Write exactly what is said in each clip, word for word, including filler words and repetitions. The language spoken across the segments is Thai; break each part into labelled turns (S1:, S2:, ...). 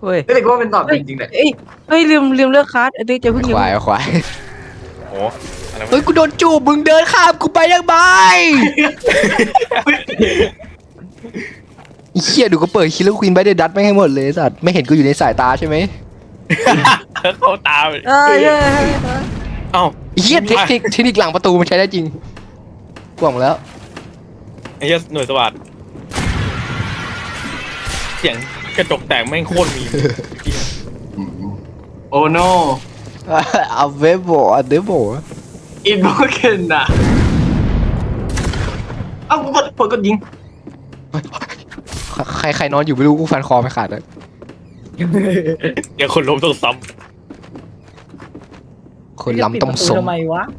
S1: เฮ้ย
S2: แต่ก็ว่าเป็นตอบจริงๆแหละ
S1: เอ้ยเฮ้ยลืมลืมเลือกคัสไอ้ติ๊กจะเพิ่ง
S3: ควายควาย
S4: โอ้อะไร
S3: เฮ้ยกูโดนจูบมึงเดินข้ามกูไปยังไงไอ้เหี้ยดูก็เปิดคิลเลอร์ควีนไปได้ดัดไม่ให้หมดเลยสัตว์ไม่เห็นกูอยู่ในสายตาใช่ไหม
S4: เข้าตา
S1: เอ้ยเอ้ยเอ้ย
S4: เอ้า
S3: ไอ้เหี้ยเทคนิคเทคนิคหลังประตูมันใช้ได้จริงกล่องแล้ว
S4: ไอ้เหี้ยหน่วยสวัสดเสียงกระจกแตกแม่งโคตรมี
S2: โอ้โน
S3: เอาเวโบอันเดโบ
S2: อินโบเคนอะเอ้ากูกดกดกดยิง
S3: ใครใครนอนอยู่ไม่รู้กูฟันคอไม่ขาดเลย
S4: เดี๋ยวคนล้มต้องซ้
S3: คนล้ำต้มสม
S1: ทำไมวะ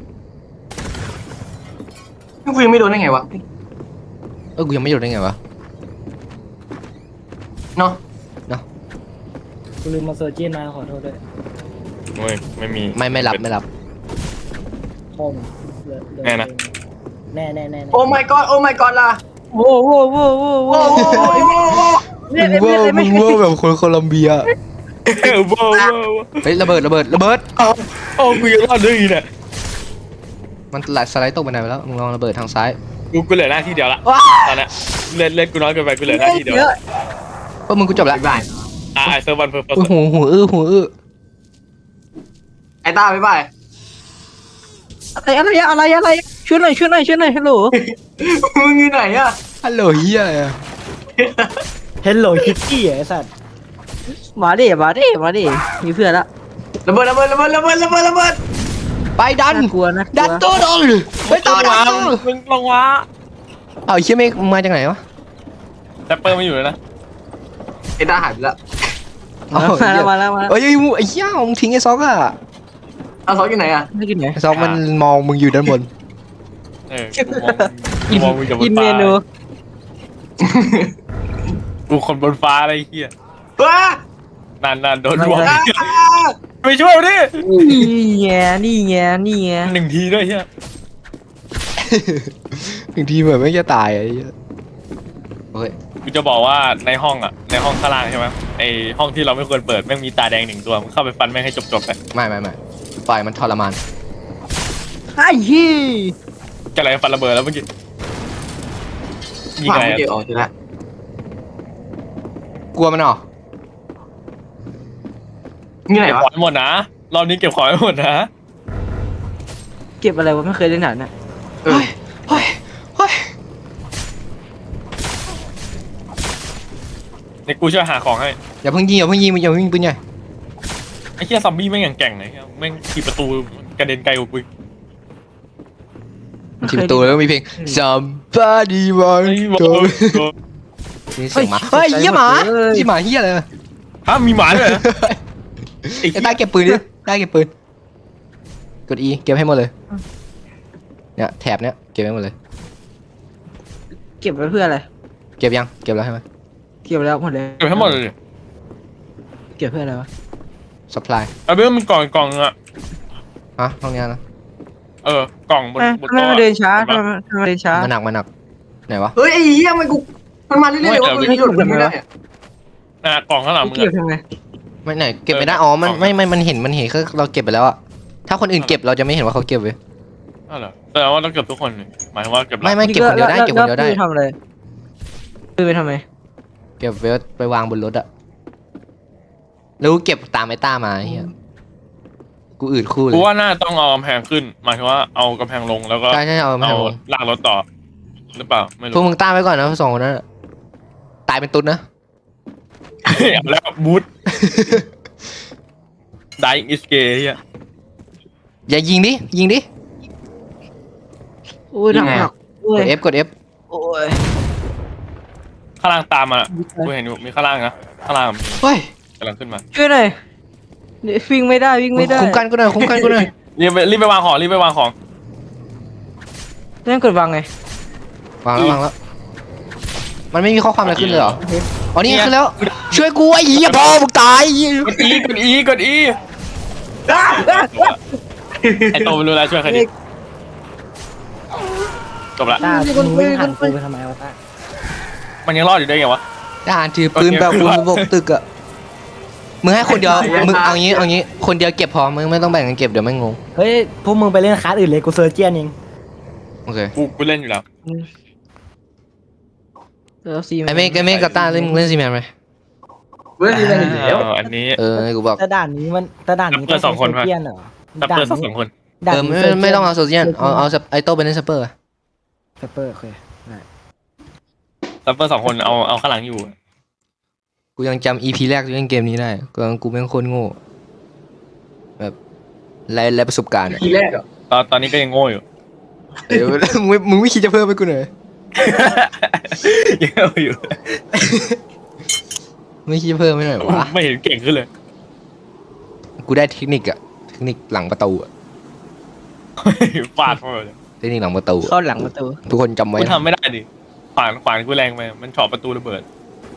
S2: พี่ฟิล์มไม่โดนได้ไงวะ
S3: เออกูยังไม่โดนได้ไงวะ
S2: เนาะ
S1: กูลืมมาเซอร์เจนมาขอโทษด้วย
S4: ำโอ้ยไม่มี
S3: ไม่ไม่รับไม่รับ
S1: คอม
S4: แน่นะ
S1: แน่แน่แน่
S2: โอ้ my god โอ้ my god ล่ะ
S1: โว้โว้โว้โว้
S2: โอ้
S1: โว้
S2: โหโอ้โหโอ้โห
S3: มึงเวอร์มึงเวอร์แบบคนโคลัมเบีย
S4: เออว้าวว้าว
S3: เฮ้ยระเบิดระเบิดระเบิด
S4: เอ้าเอ้ากูยังรอดด้วยอีกเนี่ย
S3: มันไหลสไลด์ตกไปไหนไปแล้วมึงลองระเบิดทางซ้าย
S4: กูกูเหลือหน้าที่เดียวละตอนเนี้ยเล่นเล่นกูน้อยเกินไปกูเหลือหน้าที่เดียว
S3: เออมึงกูจบแล้ว
S2: บ๊ายบาย
S4: อ่ะไอเซอร์วันเพอร์เฟก
S3: อุ้ยหูหูอื้อหูอื้อ
S2: ไอ้ต้าบ๊ายบาย
S1: อะไรอะไรอะไรอะไรช่วยหน่อยช่วยหน่อยช่วยหน่อยฮัลโหล
S2: มึงอยู่ไหนอะ
S3: ฮัลโหลเฮียอะไรอะ
S1: ฮัลโหลคิตตี้ไอ้สัตว์มาดิมาดิมาดิมีเพื่อนละ
S2: ระเบิดระเบิดระเบิดระเบิดระเบิดระเบิด
S3: ไปดัน
S1: น่ากลัวนะ
S3: ดันตัวโดนไปต่อดันตัว
S4: มึงลงวะ
S3: เอาไอ้เชี่ยเมฆมึงมาจากไหนวะ
S4: แต่เปิร์ไม่อยู่เลยนะ
S2: ไอ้ต้าหายไปแล้ว
S3: เอา
S1: มา
S3: เหี้
S1: แล้
S3: ยว
S1: มาแล้วมาแล้ว
S3: เอ้ยไอ้มึงไอ้เหี้ยมึงทิ้งไอ้ซอกอะ
S2: เอาซอสอยู่ไหนอะ
S1: ไม่กินไหน
S3: ไอ้ซอกมันมองมึงอยู่ด้านบน
S4: เออกูมองกูมองมึงจากบ
S1: กิ
S4: น
S1: นเม
S4: ฟ้า
S1: นู
S4: กูคนบนฟ้าอะไรเฮีย
S2: ว้าน
S4: านนานโดนดวง
S2: อ่า
S4: ไปช่วยดิ
S1: นี่ไงนี่ไงนี่ไง
S4: หนึ่งทีด้วยเฮีย
S3: บางทีเหมือนไม่จะตายอะไอ้เหี้ยโอ้ย
S4: กูจะบอกว่าในห้องอ่ะในห้องข้างล่างใช่ไหมไอห้องที่เราไม่ควรเปิดแม่งมีตาแดงหนึ่งตัวมึงเข้าไปฟันแม่งให้จบๆไป
S3: ไม่ไม่ไม่ปล่อยมันทรมาน
S1: ไอ้ยี่
S4: จะอะไรฟันระเบิดแล้วเมื่อกี้ยิง
S2: ผ่าน
S4: ไง
S2: ไม่เจอออกทีละ
S3: กลัวมันเหรอ
S2: นี่ไหน
S4: เก็บ
S2: วะ
S4: ของให้หมดนะรอบนี้เก็บของให้หมดนะ
S1: เก็บอะไรวะไม่เคยเล่นหนังน่ะ
S2: เออ
S3: เฮ้ยเฮ้ย
S4: ในกูช่วยหาของให้
S3: อย่าเพิ่งยิงอย่าเพิ่งยิงอย่าเพิ่งยิงปืนใหญ่
S4: ไอ้เฮียซอมบี้แม่งอย่างแก่งเลยแม่งขี่ประตูกระเด็นไกลกว่ากู
S3: ทีประตูแล้วก็มีเพลง somebody
S4: ไอ้
S3: want
S4: บอ
S3: to
S4: ล
S3: นี่เสียงหมาเฮ้ยเหี้ยหมาเหี้ยหมาเหี้ยอะไร
S4: ฮะมีหมาด้วยเหรอ
S3: ไอ้ใต้เก็บปืนดิใต้เก็บปืนกด E เก็บให้หมดเลยเนี่ยแถบเนี้ยเก็บให้หมดเลย
S1: เก็บไว้เพื่ออะไร
S3: เก็บยังเก็บแล้วใช่ไหม
S1: เก็บแล้วหมดเลย
S4: เก็บให้หมดเลยดิ
S1: เก็บเพื่ออะไรวะ
S3: supply
S4: ไอ้เบ้มันกล่องกล่องอะ
S3: ฮะห้องเนี้ยนะ
S4: เออกล่องบน
S1: เอ้ย
S4: บน
S1: ทำไม
S4: โต๊ะ
S1: มาเดินช้า
S4: ห็
S1: ทำ
S4: ปะ
S1: ไมทำไมเดินช้า
S3: มันหนักมันหนักไหนวะ
S2: เฮ้ยไอ้เหี้ยมันกูมันมาเรื่อยๆว่ามึงหยุดมันไม่ได้อะ
S4: น่ะกล่องข้างหลังมึง
S1: เก็บ
S4: อะ
S1: ทำไม
S3: ไม่ไหนเก็บไม่ได้อ๋อมันไม่ไม่มันเห็นมันเห็นคือเราเก็บไปแล้วอะถ้าคนอื่นเก็บเราจะไม่เห็นว่าเขาเก็บเว้ย
S4: อ้าวเหรอแต่ว่าต้องเก็บทุกคนนี่หมายถึงว่าเก็บหลัง
S3: ไม่ไม่เก็บคนเดียวได้เก็บคนเดียวได้
S1: แล้ทำอะไรปืนไปทำไม
S3: เก็บไว้ไปวางบนรถอะแล้วกูเก็บตามไอ้ต้ามาไอ้เฮียกูอืดคู่เล
S4: กู
S3: ย
S4: ว่าน่าต้องเอากำแพงขึ้นหมายถึงว่าเอากำแพงลงแล้วก็
S3: ใช่ใช่เอามา
S4: เอา
S3: ให้ผม
S4: ลากรถต่อหรือเปล่าไม่
S3: พวก
S4: รู้
S3: มึงต้าไว้ก่อนนะสองคนนั้นอะตายเป็นตุ๊ดนะ
S4: เอาแล้วบูท dying is gay เฮีย
S3: อย่ายิงดิยิงดิ
S1: โอ้ยหนักหนักโอ้
S3: ก
S1: ย
S3: ด F กด F
S1: โอ้ย
S4: ข้างล่างตามมากูเห็นอยู่มีข้างล่างนะข้างล่างมี
S3: เฮ้ย
S4: กำลังขึ้นมา
S1: ช่วยหน่อยเดี๋ยววิ่งไม่ได้วิ่งไม่ได้
S3: คุ้มกันกูหน่อยคุ้มกันกูหน่อย
S4: รีบไปรีบไปวางของรีบไปวางของ
S1: เล่นกดวางไง
S3: วางแล้ววางแล้วมันไม่มีข้อความอะไรขึ้นเลยเหรออ๋อนี่ขึ้นแล้ว ช่วยกูไอ้เหี้ยพ่อมึงตายไอ้เหี้ย
S4: กด E กด E กด E ไอโตไม่รู้แล้วช่วยใครดิจบละ
S1: ตามึงวิ่งผ่านกูไปทำไมวะตา
S4: มันยังรอดอยู่ได้ไงวะ
S3: ทหารถือปืนแบบคุณบกตึกอะมึงให้คนเดียวมึงเอางี้เอางี้คนเดียวเก็บพอมึงไม่ต้องแบ่งกันเก็บเดี๋ยวไม่งง
S1: เฮ้ยพวกมึงไปเล่นคลาสอื่นเลยกูเซอร์เจียนเอง
S3: โอเค
S4: กูกูเล่นอยู่แล้ว
S1: แล้วซี
S3: ไอเมฆไอเมฆกับต้าเล่นเล่นซีแมนไหม
S2: เว้ยนี่มันอยู่แล้ว
S4: เอออันนี้
S3: เออกูบอก
S1: แต่ด่านนี้มันแต่ด่านนี้
S4: เปิดสองคน
S1: เซอร์เจียนเหรอ
S4: ซัพเปอร์สองคน
S1: ด่าน
S3: เออ
S1: นี้
S3: ไม่
S1: ซร์จียน
S3: ไม่ต้องเอาโซเชียลเอาเอาไอโต้ไปเล่นซัปเปอร์
S1: สเปอร์โอเคได้
S4: ซัพเปอร์สองคนเอาเอาข้างหลังอยู่
S3: กูยังจำอีพีแรกที่เล่นเกมนี้ได้กูกูเป็นคนโง่แบบไรไรประสบการณ์อะ
S2: ทีแรกอ่ะ
S4: ตอนตอนนี้ก็ยังโง่อยู่
S3: เดี๋ยวมึงไม่มึงไม่คิดจะเพิ่มไปกูหน่อย
S4: ยังโง่อยู่
S3: ไม่คิดจะเพิ่มไม่หน่อยวะ
S4: ไม่เห็นเก่งขึ้นเลย
S3: กูได้เทคนิคอะเทคนิคหลังประตูอะ
S4: ฟาดมาเลย
S3: เทคนิคหลังประตูอะ
S1: เข้าหลังประตู
S3: ทุกคนจำไว้
S4: กู
S3: นะ
S4: ทำไม่ได้ดิขวานขวานกูแรงไปมันเฉาะประตูระเบิด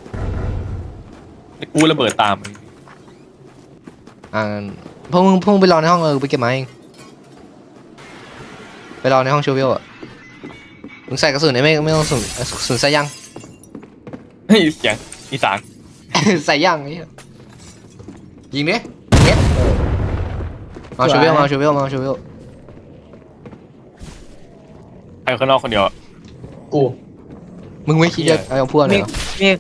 S4: กูระเบิดตามมัน
S3: อ่าพวกมึงพวกมึงไปรอในห้องเออไปเก็บไม้เองไปรอในห้องโชว์วิวอะมึงใส่กระสุนได้ไหมไม่ต้องกระสุนกระสุนใส่ยัง
S4: เฮ้ยเสียงอีสาน
S3: ใส่ย่างนี่ยิงดิเน็ตมาชูเวลมาชูเวลมาชูเวล
S4: ไปข้างนอกคนเดียวอะ
S2: กู
S3: มึงไม่คิดจะเอาพวกเลยเหรอ
S1: เมฆ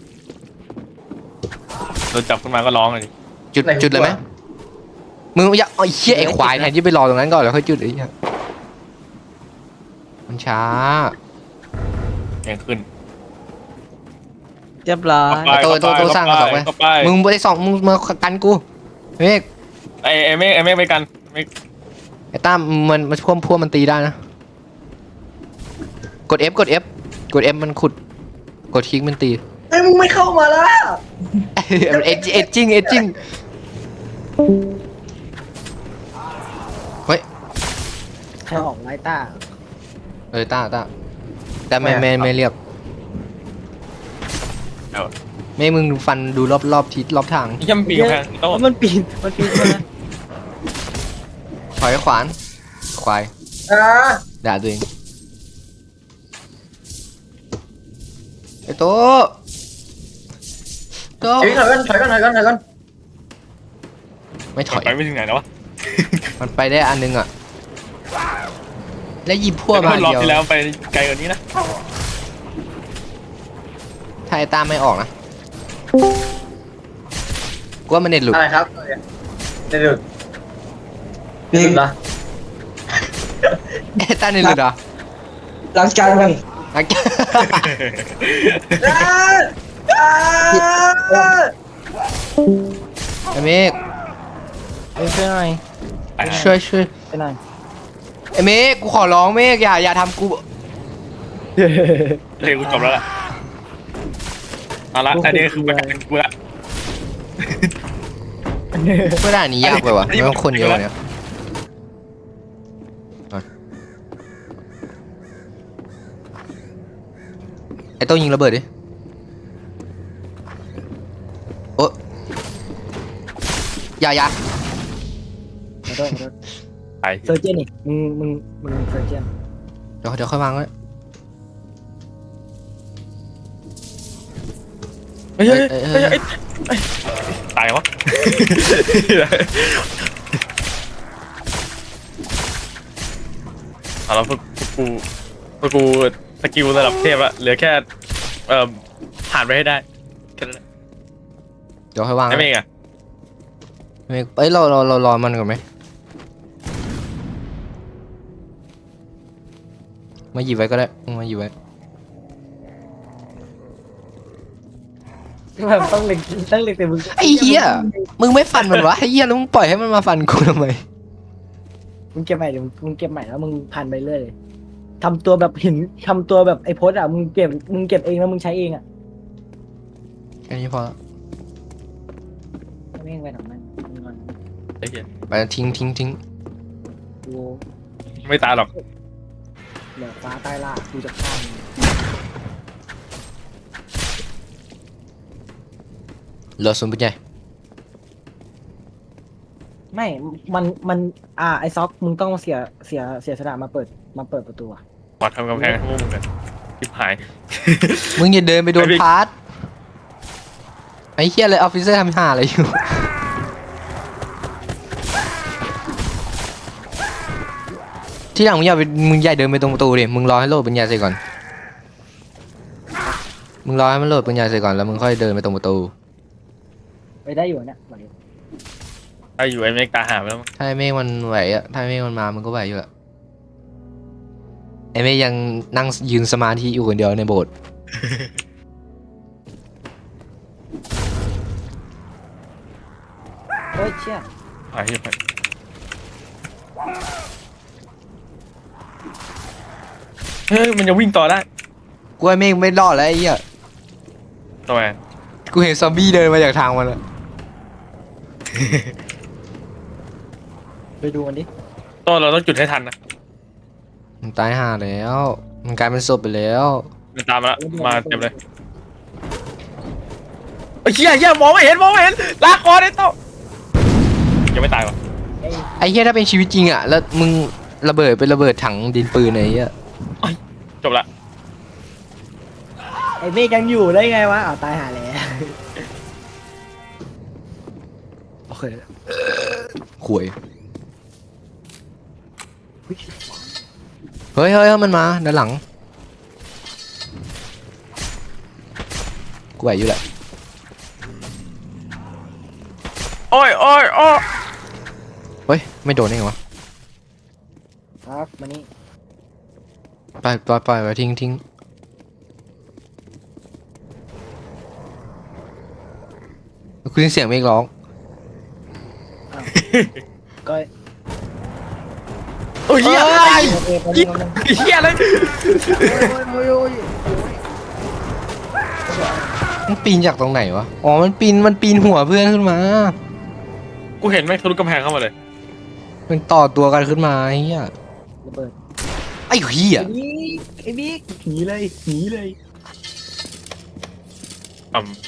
S4: โดนจับขึ้นมาก็ร้องเลยดิ
S3: จุดจุดเลยไหมมึงอย่าไอ้เหี้ยไอ้ควายแทนที่ไปรอตรงนั้นก่อนแล้วค่อยจุดไอ้เหี้ยมันช้า
S4: เสียงขึ้น
S1: เรียบร้อย
S3: ไอ้โตโตโตสร้างกระสอบไว้
S4: เข้าไป
S3: มึงไปสองมึงมากันกูเมฆ
S4: ไอ้ไอ้เมฆไอ้เมฆไปกันเมฆ
S3: ไอ้ตั้มมันมันพวกพวกมันตีได้นะกด F กด F กด F มันขุดกดคลิกมันตี
S2: ไอ้มึงไม่เข้ามาแล้ว
S3: มันเอจเอจจิ้งเอจจิ้งเฮ้ย
S1: ใครออกไลต้า
S3: เออต้าต้าแต่ไม่ไม่ไม่เรียก
S4: เดี๋ยว
S3: ไม่มึงฟันดูรอบรอบทิศรอบทาง
S4: ย่ำปีกแพงโต้
S1: มันปีนมันปีนมา
S3: ถอยขวานควาย
S2: อ่า
S3: ด่าตัวเองไอ้โตโต
S2: เฮ้ยถอยกันถอยกันถอยกันถอยกัน
S3: ไม่ถอย
S4: ไปไม่ถึงไหนแล้ววะ
S3: มันไปได้อันนึงอ่ะแล้วหยิบพวก
S4: แต่
S3: มา
S4: รอบ
S3: เดียว
S4: ที่แล้วไปไกลกว่านี้นะ
S3: ถ้าไอ้ตามไม่ออกนะกูว่ามันเน็ตหลุด
S2: อะไรครับเดี๋ยวนี่สุดละ
S3: ไอ้ตาเน็ตหลุดเหรอ
S2: ล้างจานกัน
S3: อ่ะ ไอ้เมฆ
S1: เอ้ยช่วยหน่อย
S3: ช่วยช่วย
S1: ช่วยหน่อย
S3: ไอ้เมฆกูขอร้องเมฆอย่าอย่าทำกู
S4: เพลงกูจบแล้วล่ะเอาละอันนี้คือประกันกูละ
S3: เพื่อด่านนี้ยากไปว่ะไม่ต้องคนเยอะเนี่ยอ่ะไอ้โต้ยิงระเบิดดิโอ้อย่าอย่า
S1: ขอโทษขอโทษ
S4: ไป
S1: เซอร์เจียนนี่มึงมึงมึงเซอร์เจียน
S3: เดี๋ยวเดี๋ยวค่อยวางไว้
S4: เฮ้ยเฮ้ยเฮ้ยเฮ้ยเฮ้ยตายวะเอาแล้วพวกกูพวกกูสกิลระดับเทพอะเหลือแค่เอ่อผ่านไปให้ได้แค่นั้น
S3: เดี๋ยวค่อยวาง
S4: ไอ้
S3: ไว้
S4: เมฆอะ
S3: เมฆเอ้ยเราเราเรารอมันก่อนไหมมาหยิบไว้ก็ได้มาหยิบไว้
S1: แบบต้องเล็งต้องเล็งแต่มึง
S3: ไอ้เหี้ยมึงไม่ฟันมันวะไอ้เหี้ยแล้วมึงปล่อยให้มันมาฟันกูทำไม
S1: มึงเก็บใหม่เดี๋ยวมึงเก็บใหม่แล้วมึงพันไปเรื่อยเลยทำตัวแบบหินทำตัวแบบไอ้โพสอ่ะมึงเก็บมึงเก็บเองแล้วมึงใช้เองอ่ะ
S3: แค่นี้พอละ
S1: ไม่งไปทำนั้นมึงก่อน
S4: ไอ้เหี้ย
S3: ไปทิ้งทิ้งทิ้ง
S1: กู
S4: ไม่ตายหรอก
S1: เหลือฟ้าใต้ล่ากูจะฆ่ามึง
S3: เหลือศูนย์เป็นไง
S1: ไม่ มัน มัน อ่า ไอซ็อก มึงต้องเสีย เสีย เสียสละมาเปิด มาเปิดประตูอะ
S4: ปอดทำกำแพงให้พวกมึงกันทิบหาย
S3: มึงอย่าเดินไปโดน
S4: ไอ้บิ๊ก
S3: พาร์ทไอ้เหี้ยเลยออฟฟิเซอร์ทำห่าอะไรอยู่ที่หลังมึงอย่าไปมึงอย่าเดินไปตรงประตูดิมึงรอให้โหลดปัญญาเสร็จก่อนมึงรอให้มันโหลดปัญญาเสร็จก่อนแล้วมึงค่อยเดินไปตรงประตู
S1: ไปได้อยู่เนี่ยไหว
S4: ถ้าอยู่ไอ้เมกตาหาไปแล้วมั้ง
S3: ถ้าไอ้เมฆมันไหวอะถ้าไอ้เมฆมันมามึงก็ไหวอยู่อะไอ้เมฆยังนั่งยืนสมาธิอยู่คนเดียวในโบสถ์
S1: เฮ้ยเชี่ย
S4: หายไปเฮ้ยมันจะวิ่งต่อได้
S3: กูไอ้เมฆไม่รอดแล้วไอ้เหี้ย
S4: ทำไม
S3: กูเห็นซอมบี้เดินมาจากทางมันอะ
S1: ไปดูมันดิ
S4: ต้นเราต้องจุดให้ทันนะ
S3: มันตายห่าแล้วมันกลายเป็นศพไปแล้ว
S4: มันตามมาแล้วมาเต็มเลยไอ้เหี้ยเหี้ยมองไม่เห็นมองไม่เห็นลากคอได้โต้ยังไม่ตายวะ
S1: ไอ้
S3: ไอ้เหี้ยถ้าเป็นชีวิตจริงอะแล้วมึงระเบิดเป็นระเบิดถังดินปืนไอ้เหี้ย
S4: จบละ
S1: ไอ้เมฆยังอยู่ได้ไงวะอ้าวตายหาแล้วโอเค
S3: ข่วยเฮ้ยเฮ้ยเฮ้ยมันมาด้านหลังกูไหวอยู่แหละ
S4: โอ้ยโอ้ยโอ้ย
S3: เฮ้ยไม่โดนได้ไงวะ
S1: ครับมานี่
S3: ปล่อยปล่อยปล่อยไปทิ้งทิ้งกูได้ยินเสียงเมฆร้อง
S1: ก็
S4: โอ้ยเหี้ย
S1: โอเคไปนี่มัน
S4: เหี้ยเลย
S1: โอ้ยโอ้ยโอ้ย
S3: มันปีนจากตรงไหนวะอ๋อมันปีนมันปีนหัวเพื่อนขึ้นมา
S4: กูเห็นแม่งทะลุกำแพงเข้ามาเลย
S3: มันต่อตัวกันขึ้นมาไอ้เหี้ย
S1: ระเบิด
S3: ไอ้เหี้ย
S1: ไอ้บิ๊กไอ้บิ๊กหนีเลยหนีเลย
S4: อืม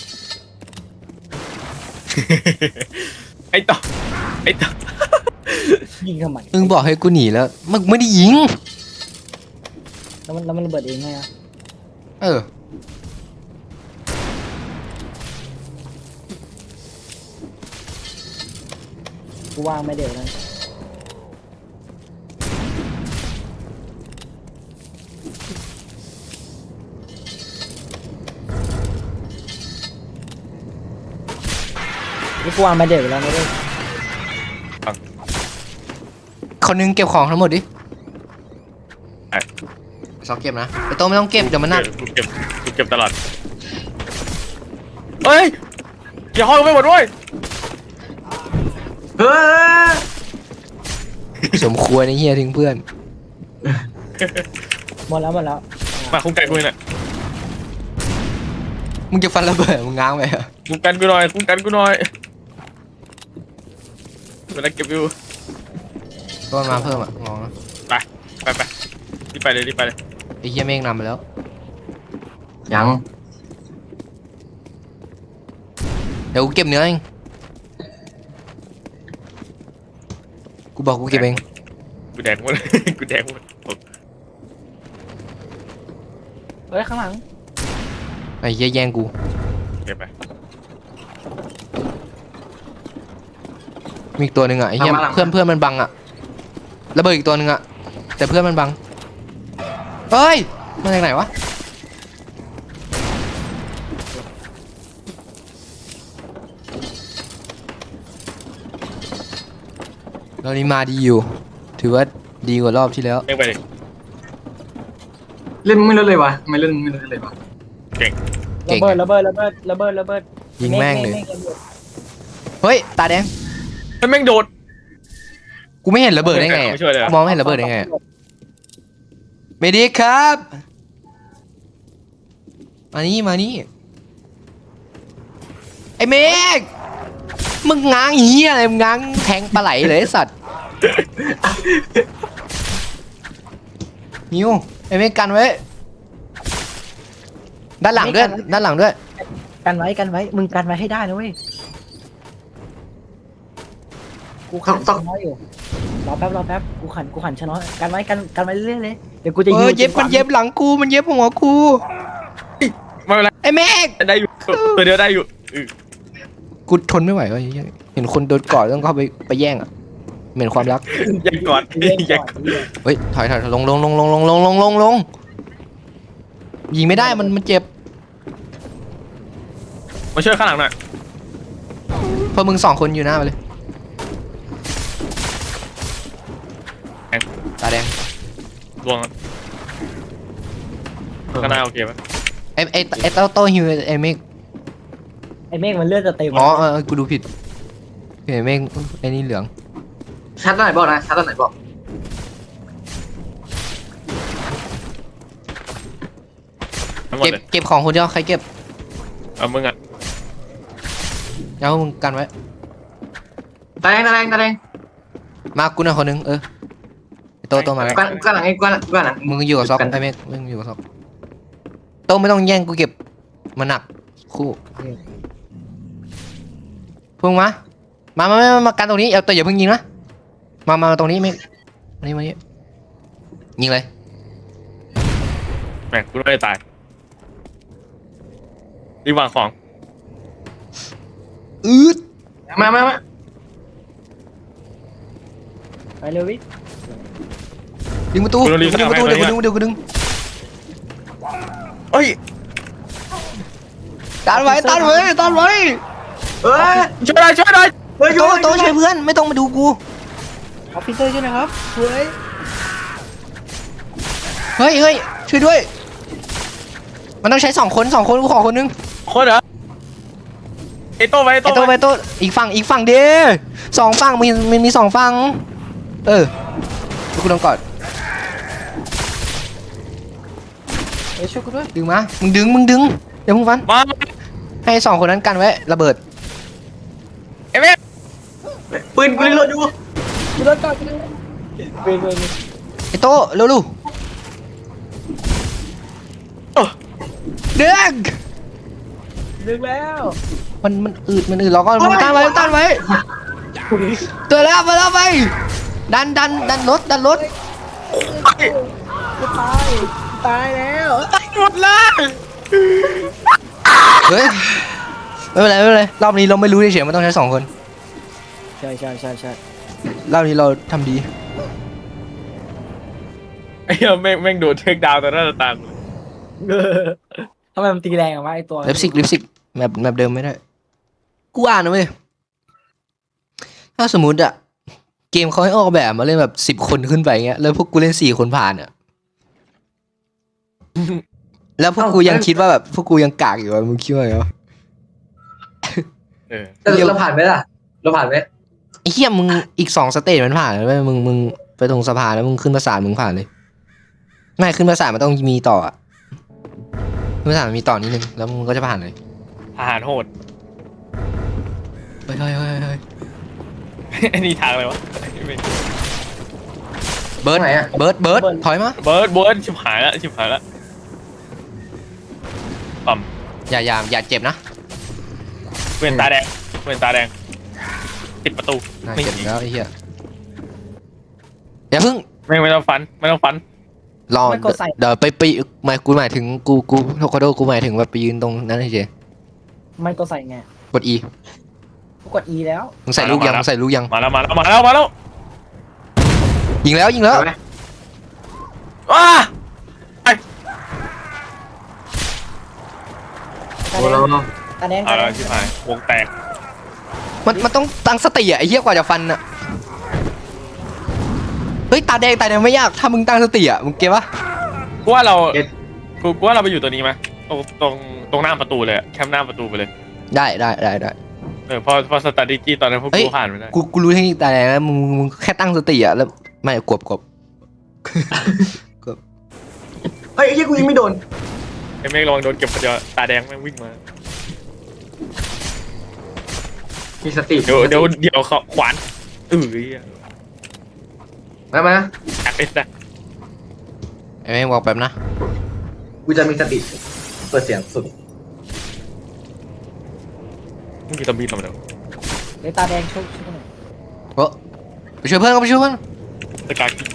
S4: ไอ้ต่อไอ้ต่อ
S1: ยิงทำไม
S3: มึงบอกให้กูหนีแล้วมึงไม่ได้ยิง
S1: แล้วมันแล้วมันระเบิดเองไงอ่ะ
S3: เออ
S1: กูวางไม่เดี๋ยวนะนี่กูวางไม่เดี๋ยวแล้วนะเว้ย
S3: คนนึงเก็บของทั้งหมดดิสองเก็บนะไอ้โตไม่ต้องเก็บเดี๋ยวมันหนัก
S4: กูเก็บกูเก็บตลอดเฮ้ยอย่าห้อยไปหมดด้วย
S2: เฮ้ย
S3: สมควรไอ้เหี้ยทิ้งเพื่อน
S1: หมดแล้วหมดแล้ว
S4: มาคุ้มกันกูหน่อย
S3: มึงจะฟันระเบิดมึงง้างไปเหรอ
S4: คุ้มกันกูหน่อยคุ้มกันกูหน่อยเวลาเก็บอยู่
S3: ก็มาเพิ่มอ่ะมองนะ
S4: ไปไปไปรีบไปเลยรีบไปเลย
S3: ไอ้เหี้ยเมฆนำไปแล้ว
S2: ยัง
S3: เดี๋ยวกูเก็บเนื้อเองกูบอกกูเก็บเอง
S4: กูแดงหมด กูแดงหมด
S1: เฮ้ยข้างหลัง
S3: ไอ้เหี้ยแย่งกู
S4: เก็บไป
S3: มีอีกตัวหนึ่งอ่ะไอ้เหี้ยเพื่อนเพื่อนมันบังอ่ะระเบิดอีกตัวหนึ่งอ่ะแต่เพื่อนมันบังเฮ้ยมาจากไหนวะเรานี้มาดีอยู่ถือว่าดีกว่ารอบที่แล้ว
S4: เล่นไปเลย
S2: เล่นไม่เล่นเลยวะทำไมเล่นไม่เล่นเลยวะ
S4: เก่ง
S3: เก่
S1: ระ
S3: ง
S1: เบิดระเบิดระเบิดระเบิดระเบิด
S3: ยิงแม่งเลย
S1: ฆฆฆ
S3: เฮ้ยตาแดง
S4: ไอ้แม่งโดด
S3: กูไม่เห็นระเบิดได้ไงอะ
S4: ไม่ช่วยเลยเหรอ
S3: กูมองไม่เห็นระเบิดได้ไงอะเมดิกครับมานี่มานี่ไอ้เมกมึงง้างเหี้ยอะไรมึงง้างแทงปลาไหลเลยไอ้สัตว์นิวไอ้เมกกันไว้ด้านหลังด้วยด้านหลังด้วย
S1: กันไว้กันไว้มึงกันไว้ให้ได้นะเว้ยกูขันชะน้อยอยู่รอแป๊บรอแป๊บกูขันกูขันชะน้อยกันไว้กันกันไว้เรื่อยๆเลยเดี๋ยวกูจะ
S3: เอ
S1: ยื
S3: อน เย็บมันเย็บหลังกูมันเย็บหัวกู
S4: ไม่เป็นไร
S3: ไอ้เมก
S4: ได้อยู่ตัวเดียวได้อยู่อือ
S3: กูทนไม่ไหวว่ะเหี้ยเห็นคนโดนกอดต้องเข้าไปไปแย่งอ่ะเหม็นความรัก
S4: อย่ากอด
S1: เล่น
S4: อย่า
S1: ก่อน
S3: เฮ้ยถอยถอยลงลงลงลงลงลงลงลงลงยิงไม่ได้มันมันเจ็บ
S4: มาช่วยข้างหลังหน่อย
S3: เพราะมึงสองคนอยู่หน้าไปเลยตาแดง
S4: ดวงอะข้างหน้าโอเคปะ
S3: ไอ้ไอ้ไอ้โต้โต้ฮิวไอ้เมฆ
S1: ไอ้เมฆมันเลือดจะเต็ม
S3: อ๋อเออเออกูดูผิดไอ้เมฆไอ้นี่เหลือง
S2: ชัดตอนไหนบอกนะชัดตอนไหนบอก
S4: ทั้งหมด
S3: เก็บ
S4: เลย
S3: เก็บของคนเดียวใครเก็บ
S4: เอามึงอ่ะ
S3: แล้วมึงกันไว้
S2: ตาแดงตาแดงตาแดง
S3: มากูหน่อยคนนึงเออไอ้โต้โต้มาแล้ว
S2: กวนกวนหลังไอ้กวนกวนหลัง
S3: มึงอยู่กับซอกไอ้เมฆมึงอยู่กับซอกโต้ไม่ต้องแย่งกูเก็บมันหนักคู่พุ่งมามามามามากันตรงนี้เอาแต่อย่าเพิ่งยิงนะมามาตรงนี้เมฆมานี่มานี่ยิงเลย
S4: แม่งกูไม่ได้ตายรีบวางของ
S3: อืด
S2: มามามา
S1: ไปเร็ววิ
S3: ดึงประตูดึงประตูเดี๋ยวกูดึงเดี๋ยวกูดึง
S4: เอ้ย
S3: ตันไว้ตันไว้ตันไว้
S2: เอ้ย
S4: ช่วยหน่อยช่วยหน่อย
S2: เฮ้ย
S3: โตโตช่วยเพื่อนไม่ต้องมาดูกู
S1: ออฟฟิเซอร์ใช่ไหมครับเฮ้ย
S3: เฮ้ยเฮ้ยช่วยด้วยมันต้องใช้สองคนสองคนกูขอคนนึง
S4: คนเหรอไอโต้ไปไอ
S3: ไอ้
S4: โต้
S3: โต
S4: ไป
S3: ไปโตอีกฝั่งอีกฝั่งเดียวสองฝั่งมีมีมีสองฝั่งเออกูต้องกอด
S1: เฮ้ยช่วยกูด้วย
S3: ดึงมามึงดึงมึงดึงเดี๋ยวมึงฟัน
S4: มา
S3: ให้สองคนนั้นกันไว้ระเบิด
S4: ไอเมฆ
S2: ปืนกูรีโหลดอยู่
S1: กูโดนก่อนกูโดนเว้ยเว้ยเว้ย
S3: ไอ้โตเร็วลูเดือก
S1: ดึงแล้ว
S3: มันมันอืดมันอืดเราก็มึงต้านไว้ต้านไว้ตัวแล้วมาแล้วไปดันดันดันรถดันรถ
S1: กูตายตายแล้ว
S4: หมดเลย
S3: เฮ้ยไม่เป็นไรไม่เป็นไรรอบนี้เราไม่รู้เฉยๆมันต้องใช้สองคน
S1: ใช่ใช่ใช่ใช่
S3: รอบนี้เราทำดี
S4: ไอ้เหี้ยแม่งแม่งโดนเทคดาวน์ต่อหน้าต่อตา
S1: เออทำไมมันตีแรงอะวะไอตัว
S3: ลิปซิกลิปซิกแมปแมปเดิมไม่ได้กูอ่านนะเว้ยถ้าสมมุติอะเกมเขาให้ออกแบบมาเล่นแบบสิบคนขึ้นไปเงี้ยแล้วพวกกูเล่นสี่คนผ่านอะแล้วพวกกูยังคิดว่าแบบพวกกูยังกากอยู่อะมึงคิดว่าไงวะ
S4: เออ
S2: แต่เราผ่านไหมล่ะเราผ่านไหม
S3: ไอ้เหี้ยมึงอีกสองสเตจมันผ่านแล้วมึงมึงไปตรงสะพานแล้วมึงขึ้นประสานมึงผ่านเลยไม่ขึ้นประสานมันต้องมีต่ออะขึ้นประสานมันมีต่อนิดนึงแล้วมึงก็จะผ่านเลย
S4: ทหารโหด
S3: เฮ้ยเฮ้ยเฮ้ยเฮ้ย
S4: ไอ้นี่ทางอะไรวะ
S3: เบิร์ดเบิร์ดเบิร์ดถอยมา
S4: เบิร์ดเบิร์ดชิบหายแล้วชิบหายแล้วปั๊ม
S3: อย่าอย่าอย่าเจ็บนะ
S4: เว้นตาแดงเว้นตาแดงปิดประตู
S3: น่า
S4: ไม่
S3: เจ็บ
S4: ยิง
S3: แล้วไอ้เหี้ยอย่าเพิ่ง
S4: ไม่ไม่ต้องฟันไม่ต้องฟัน
S3: รอเดี๋ยวไปไปหมายกูหมายถึงกูกูโทคาโดกูหมายถึงแบบไปยืนตรงนั้นเฉย
S1: มันก็ใส่ไง
S3: กด E
S1: กูกด E แล้ว
S3: มึงใส่ลูกยังมึงใส่ลูกยัง
S4: มาแล้วมาแล้วมาแล้วมาแล้ว
S3: ยิงแล้วยิงแล้ว
S4: ว้า
S1: ตา
S2: โอ้
S1: แด
S2: เรา
S1: งตาแดง
S4: เอา
S1: ตาแด
S4: แล้ว
S1: ง
S4: ชิบหายวงแตก
S3: มันมันต้องตั้งสติอะไอ้เหี้ยกว่าจะฟันอะเฮ้ยตาแดงตาแดงไม่ยากถ้ามึงตั้งสติอะมึงเก็บปะ
S4: กูว่าเรากูกูว่าเราไปอยู่ตัวนี้ไหมตรงตรงตรงหน้าประตูเลยแคมป์หน้าประตูไปเลย
S3: ได้ได้ได้ได้
S4: เออพอพอสตาร์ดิจี้ตอนนั้นพวก
S3: เฮ้ย
S4: กูผ่านไปได้
S3: กูกูรู้เทคนิคตาแดงแล้วมึงมึงแค่ตั้งสติอะแล้วไม่กบกบ
S2: เฮ้ยไอ้ยี่กูยิงไม่โดน
S4: ไอ้เมฆลองโดนเก็บคนเดียวตาแดงแม่งวิ่งมา
S2: มีสติ
S4: เดี๋ยวเดี๋ยวเดี๋ยวเขาขวานเออ
S2: มามา
S4: อยากเล่นนะ
S3: ไอ้แม่งบอกแป๊บนะ
S2: กูจะมีสติเปิดเสียงสุด
S4: มึงมีตำบีทำไมเดี๋ยว
S1: เดี๋ยวตาแดงช่วยช่วยหน่อย
S3: โอ้ไปช่วยเพื่อนก็ไปช่วยเพื่อน
S4: ตะการกิน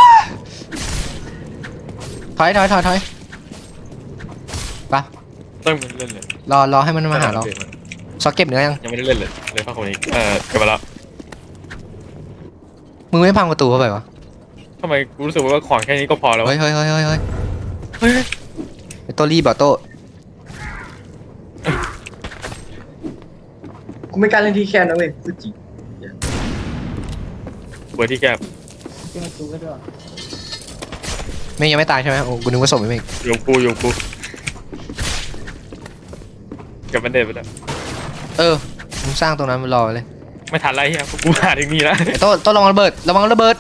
S3: ถอยถอยถอยถอยไป
S4: ต้องมันเล่นเลย
S3: รอรอให้มันมาหาเราซอกเก็บเนื้อยัง
S4: ยังไม่ได้เล่นเลยเลยพักคนนี้เออเก็บมาแล้ว
S3: มึงไม่พังประตูเข้าไปวะ
S4: ทำไมกูรู้สึกว่าของแค่นี้ก็พอแล้ว
S3: เฮ้
S4: วะ
S3: ยเฮ้ยเฮ้ยเฮ้ยเฮ้ย
S4: เฮ้ย
S3: ไอ้โตรีบอ่ะโต
S2: กูไม่กล้าเล่นที่แคบนะเว้ยพูดจริง
S4: เปิดที่แคบ
S1: เจ้ากูก็ด้วย
S3: เมฆยังไม่ตายใช่ไหมโอ้กูนึกว่าศพไอ้เมฆ
S4: โยมกูโยมกูเก็บมันเด็ดไปแล้ว
S3: เออมึงสร้างตรงนั้นมันรอเลย
S4: ไม่ทันไรเฮียกูหาถึงนี่แล้ว
S3: ไอ้โตโตระวังระเบิดระวังระเบิด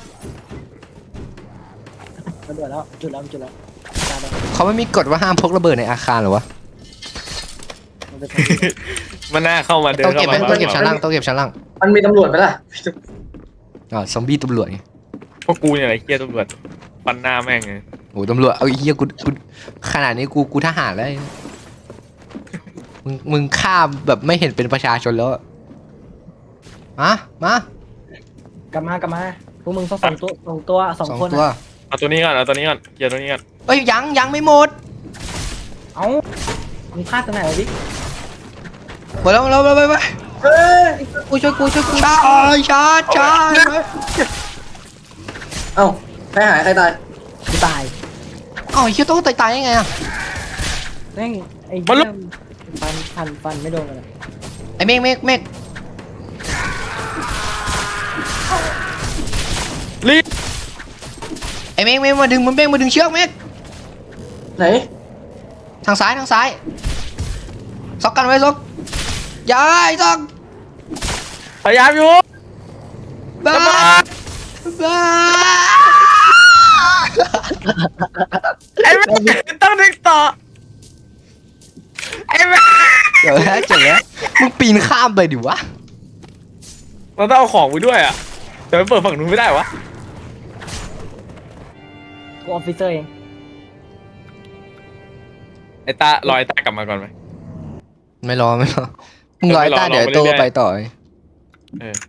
S1: ระเบิดแล้วจุดแล้วจุดแล้วตาแดง
S3: เขาไม่มีกฎว่าห้ามพกระเบิดในอาคารเหรอวะ
S1: มันเป็น
S4: มันน่าเข้ามาเดิน
S3: ต้อง
S4: เข้า
S3: เก็บไหม
S4: มา
S3: ต้องเก็บชั้นล่างต้องเก็บชั้นล่าง
S2: มันมีตำรวจไหมล่ะ
S3: อ๋อซอมบี้ตำรวจไง
S4: พวกกูเนี่ยไอ้เฮียตำรวจฟันหน้าแม่งไง
S3: โอ้ตำรวจเอาไอ้เหี้ยกูกูขนาดนี้กูกูทหารแล้วไอ้มึงมึงฆ่าแบบไม่เห็นเป็นประชาชนแล้วอะมามา
S1: กลับมากลับมาพวกมึงต้องสองตัวสองตัวสอง
S3: สอง
S1: คน
S3: ตัว
S1: อะ
S4: เอาตัวนี้ก่อนเอาตัวนี้ก่อนเคลียร์ตัวนี้ก่อน
S3: เอ้ยยังยังไม่หมด
S1: เอ้ามึงพลาดตรงไหนวะบิ๊ก
S3: หมดแล้วหมดแล้วไปไปไป
S2: เฮ้ย
S3: กูช่วยกูช่วยกูชาร์จชาร์จชาร์จ
S2: เอ้าใครหายใครตาย
S1: กูตาย
S3: อ๋อไอ้เหี้ยต้องตายตายยังไงอะ
S1: แม่งไอ้เหี้ยฟันฟันฟันไม่โดนเลย
S3: ไอ้เมฆเมฆเมฆ
S4: รีบ
S3: ไอ้เมฆเมฆมาดึงมันเมฆมาดึงเชือกเมฆ
S2: ไหน
S3: ทางซ้ายทางซ้ายซอกกันไว้ซอกย้ายซอก
S4: พยายามอยู่
S3: บ้า
S4: ระเบิด
S3: บ้า
S4: ไอ้แม่งต้องดึงต่อไอ้แม่ง
S3: เจ๋อแล้วเจ๋อแล้วมึงปีนข้ามไปดิวะ
S4: เราต้องเอาของไปด้วยอ่ะแต่ไปเปิดฝั่งนู้นไม่ได้วะ
S1: กูออฟฟิเซอร์เอง
S4: ไอ้ตารอไอ้ตากลับมาก่อนไหม
S3: ไม่รอไม่รอมึงรอไอ้ต้า
S4: ไม่รอ
S3: เดี๋ยวไอ้โต
S4: รอไปเรื่อยๆ
S3: ไปต่อไอ้
S4: เออ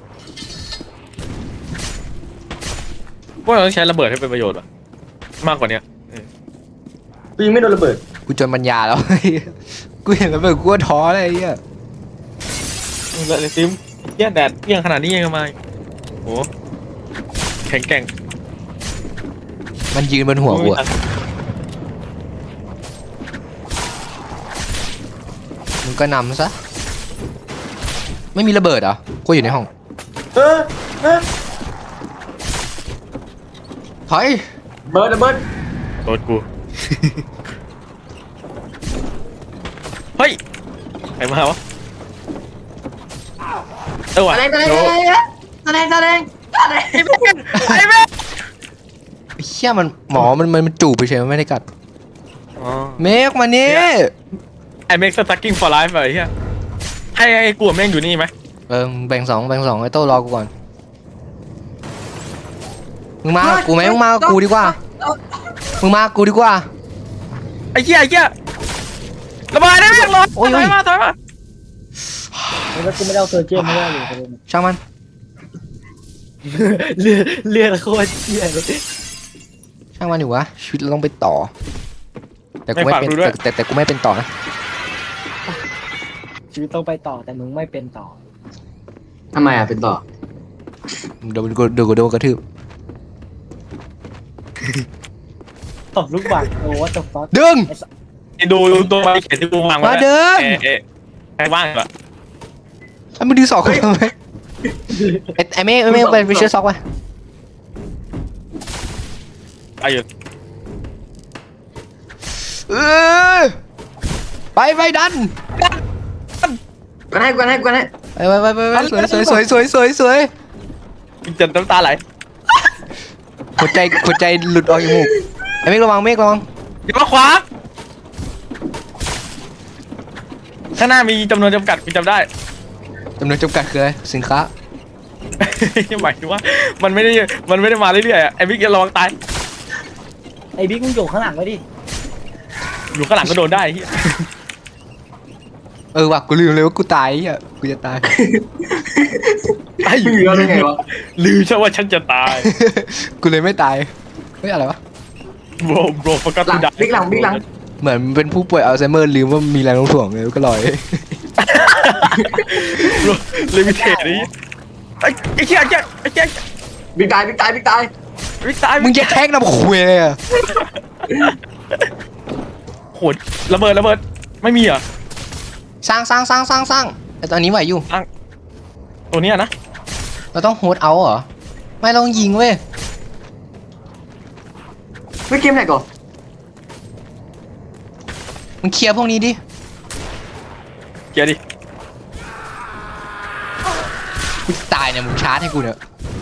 S4: พวกเราต้องใช้ระเบิดให้เป็นประโยชน์วะมากกว่าเนี้ยเออ
S2: กูยังไม่โดนระเบิด
S3: กูจนปัญญาแล้ว กูเห็นมันเป็นกูก็ท้อเลยไอ้เหี้ย
S4: แล้วไอ้ซิมเหี้ยแดดเปรี้ยงขนาดนี้ยังมาโอ้แข็งแกร่ง
S3: มันยืนบนหัวกูอะมึงก็นำซะไม่มีระเบิดเหรอกูอยู่ในห้อง
S2: เออเออ
S3: ถอย
S2: เบิร์ดระเบิด
S4: โดนกู เฮ้ยใครมาวะเออว่ะ
S2: อะไรอะไร
S4: โด
S2: อะไรอะไรอะไรอะไร
S4: ไอ้แม่ง
S3: ไอ้เหี้ยมันหมอมันมันมันจูบไปเฉยมันไม่ได้กัด
S4: อ๋อ
S3: เมฆมานี่
S4: ไอ้เมกสตั๊กกิ้งฟอร์ไลฟ์ไอ้เหี้ยให้ไอ้กูกับแม่งอยู่นี่ไหม
S3: เออมึงแบ่งสองแบ่งสองไอ้โต้รอกูก่อนมึงมากับกูไหมมึงมากับกูดีกว่ามึงมากับกูดีกว่า
S4: ไอ้เหี้ยไอ้เหี้ยระเบิดได้แม่งรถ
S3: โอ้ย
S4: ถ
S3: โอ้
S4: อย ยมาถอยมา
S1: แล้วกูไม่ได้เอาเซอร์เจอร์ไม่ได้อยู่ประเด็น
S3: ช่างมัน
S1: เลือดเลือดโคตรเชี่ยเลย
S3: ช่างมันอยู่วะชีวิตเราต้องไปต่อ แต่กูไม่เป็นแต่แต่แต่กูไม่เป็นต่อนะ
S1: ชีวิตต้องไปต่อแต่มึงไม่เป็นต่อ
S2: ทำไมอ่ะเป็นต่อ
S3: โดนกูโดนกูโดนกระทืบ
S1: ตบลูกบาศก์โอ้วัตถุฟัค
S3: ดึง
S4: ไอ้ดูดูตัวใบเขียนที่กูวางไว้
S3: มาเดิน
S4: เอ๊ะเอ๊ะใครว่างเหรอ
S3: ไอ้มึงดึงสองคนทำไมไอ้ไอ้เมฆไอ้เมฆเป็นวิเชอร์ซ็อกวะ
S4: ไอ้อยู่
S3: เออไปไปดัน
S2: กันให้กันให้กันให้
S3: ไปไปไปไปสวยสวยสวยสวยสวยสวย
S4: จนน้ำตาไหล
S3: หัวใจหัวใจหลุดออกจากมูกไอ้เมฆระวังเมฆระวัง
S4: อย่ามาขวางข้างหน้ามีจำนวนจำกัดกูจำได้
S3: จำนวนจำกัดคืออะไรสินค้า
S4: หมายถึงว่ามันไม่ได้มันไม่ได้มาเรื่อยๆอะไอ้บิ๊กอย่าระวังตาย
S1: ไอ้บิ๊กมึงอยู่ข้างหลังไว้ดิ
S4: อยู่ข้างหลังก็โดนได้ไอ้เหี้ย
S3: เออว่ะกูลืมเลยว่ากูตายไอ้เหี้ยกูจะตาย
S4: ไอ้
S2: มึงอยู่แล้วได้ไงวะ
S4: ลืมใช่ว่าฉันจะตาย
S3: กูเลยไม่ตายเฮ้ยอะไรวะ
S4: โบรโบรฟกัส
S2: หลัง
S4: กูดั
S2: บิ๊กหลังบิ๊กหลัง
S3: เหมือนเป็นผู้ป่วยอัลไซเมอร์ลืมว่ามีแรงโน้มถ่วงเลยก็ลอย
S4: ลิมิเทดนี่ไอ้ไอ้เหี้ยไอ้เหี้ยไอ้เหี้ย
S2: บิ๊กตายบิ๊กตายบิ๊กตาย
S4: วิกตาย
S3: มึงจะแท็กนำคุยเลยอะ
S4: โหดระเบิดระเบิดไม่มีเหรอ
S3: สร้างสร้างสร้างสร้างสร้างแต่ตอนนี้ไหวอยู่
S4: ตัวเนี้ยนะ
S3: เราต้องโฮดเอาเหรอไม่เราต้องยิงเว้ย
S2: ไม่เกมไหนก่อน
S3: มึงเคลียร์พวกนี้ดิ
S4: เกียร์ดิ
S3: กูจะตายเนี่ยมึงชาร์จให้กูเนี่ย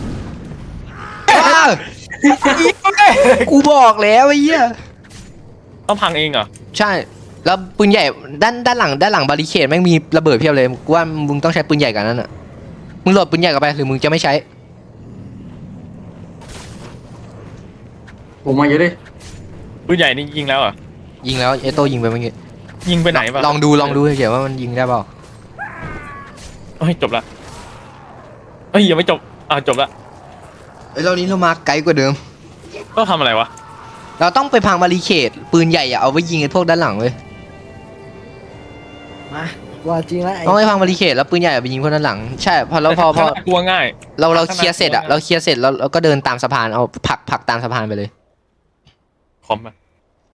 S3: อ้าวกูบอกแล้วไอ้เหี้ย
S4: ต้องพังเองเหรอ
S3: ใช่ แล้วปืนใหญ่ด้านด้านหลังด้านหลังบาริเคดแม่งมีระเบิดเพียบเลยกูว่ามึงต้องใช้ปืนใหญ่กันนั่นอ่ะมึงโหลดปืนใหญ่กันไปหรือมึงจะไม่ใช้
S2: ผมมาเยอะดิ
S4: ปืนใหญ่นี่ยิงแล้วเหรอ
S3: ยิงแล้วเอโต้ยิงไปเมื่อกี้
S4: ยิงไปไหนวะ
S3: ลองดูลองดูเฉยๆว่ามันยิงได้เปล่า
S4: เฮ้ยจบละเฮ้ยยังไม่จบอ่ะจบละ
S3: เอ้ยเรานี้เรามาไกลกว่าเดิม
S4: ต้องทำอะไรวะ
S3: เราต้องไปพังบาริเคดปืนใหญ่อะเอาไว้ยิงไอ้พวกด้านหลังเว้ย
S1: มาว่าจริงแล้วไอ้
S3: ต้องไปพังบาริเคดแล้วปืนใหญ่เอาไปยิงพวกด้านหลังใช่พอเราพอพอ
S4: ข้างหน้ากลัวง่าย
S3: เราเราเคลียร์เสร็จอะเราเคลียร์เสร็จแล้วเราก็เดินตามสะพานเอาผลักผลักตามสะพานไปเลย
S4: คอมอะ